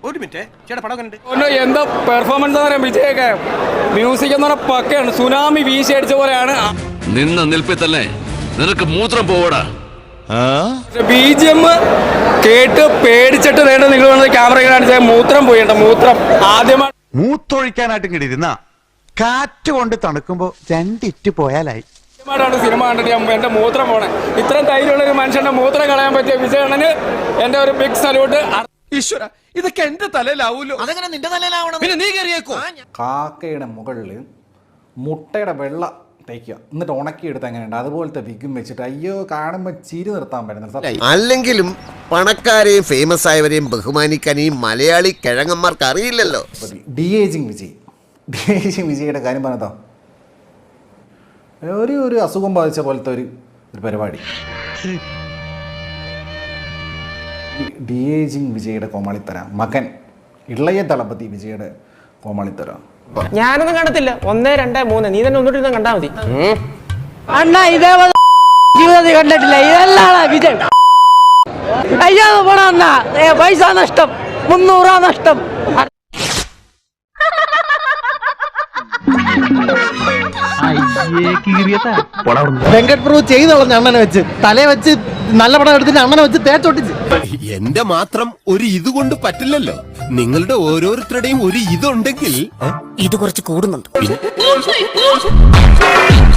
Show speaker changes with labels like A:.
A: ഒരു മിനിറ്റ് ചേട്ടാ പടം കണ്ടിട്ട്
B: എന്താ പെർഫോമൻസ് പറയാം വിജയൊക്കെ മ്യൂസിക് എന്ന് പറഞ്ഞ പക്കയാണ് സുനാമി വീശി അടിച്ച പോലെയാണ്
C: നിന്ന നിൽപ്പിൽ തന്നെ നിനക്ക് മൂത്രം പോവടാ
B: BGM കേട്ട് പേടിച്ചിട്ട് നേട്ട നിങ്ങൾ വന്നത് ക്യാമറ കാണിച്ചാൽ മൂത്രം പോയിട്ട മൂത്രം ആദ്യമായി
D: മൂത്തൊഴിക്കാനായിട്ടും കിട്ടിയിരുന്ന കാറ്റ് കൊണ്ട് തണുക്കുമ്പോ രണ്ടിറ്റ് പോയാലായി
B: ാണ് സിനിമ കണ്ടിട്ട് എന്റെ മൂത്രം പോണേ ഇത്രയും ധൈര്യമുള്ള ഒരു മനുഷ്യന്റെ മൂത്രം കളയാൻ പറ്റിയ വിജയണ്ണന് എന്റെ ഒരു ബിഗ് സല്യൂട്ട്.
A: ഈശ്വര ഇതൊക്കെ എന്റെ തലയിലാവൂലോ.
E: അതെങ്ങനെ നിന്റെ തലയിലാവണം?
A: പിന്നെ നീ കയറിയേക്കോ.
F: കാക്കയുടെ മുകളിൽ മുട്ടയുടെ വെള്ള തേക്കുക എന്നിട്ട് ഉണക്കിയെടുത്ത് എങ്ങനെയുണ്ട് അതുപോലത്തെ വിഗും വെച്ചിട്ട് അയ്യോ കാണുമ്പോൾ ചിരി നിർത്താൻ പറ്റുന്നത്.
G: അല്ലെങ്കിലും പണക്കാരെയും ഫേമസ് ആയവരെയും ബഹുമാനിക്കാൻ ഈ മലയാളി കിഴങ്ങന്മാർക്ക് അറിയില്ലല്ലോ.
F: ഡി-ഏജിങ് വിജയുടെ കാര്യം പറഞ്ഞതോ ഒരു അസുഖം ബാധിച്ച പോലത്തെ ഒരു പരിപാടി. ഡി-ഏജിങ് വിജയുടെ കോമാളിത്തര മകൻ ഇളയ ദളപതി വിജയുടെ കോമാളിത്തര
E: ഞാനൊന്നും കണ്ടത്തില്ല. 1, 2, 3 നീ തന്നെ ഒന്നിട്ട് കണ്ടാ മതി.
H: അണ്ണാ ഇതേപോലെ ജീവിതത്തിൽ കണ്ടിട്ടില്ല. ഇതെല്ലാം വിജയ്. അയ്യോ പോണ അണ്ണാ പൈസ നഷ്ടം 300 നഷ്ടം.
I: വെങ്കട് പ്രഭു ചെയ്ത് കളഞ്ഞ അണ്ണനെ വെച്ച് തലയെ വെച്ച് നല്ല പടം എടുത്തിട്ട് അണ്ണനെ വെച്ച് തേച്ചൊട്ടിച്ച്.
J: എന്റെ മാത്രം ഒരു ഇത് കൊണ്ട് പറ്റില്ലല്ലോ. നിങ്ങളുടെ ഓരോരുത്തരുടെയും ഒരു ഇതുണ്ടെങ്കിൽ
E: ഇത് കുറച്ച് കൂടുന്നുണ്ട്.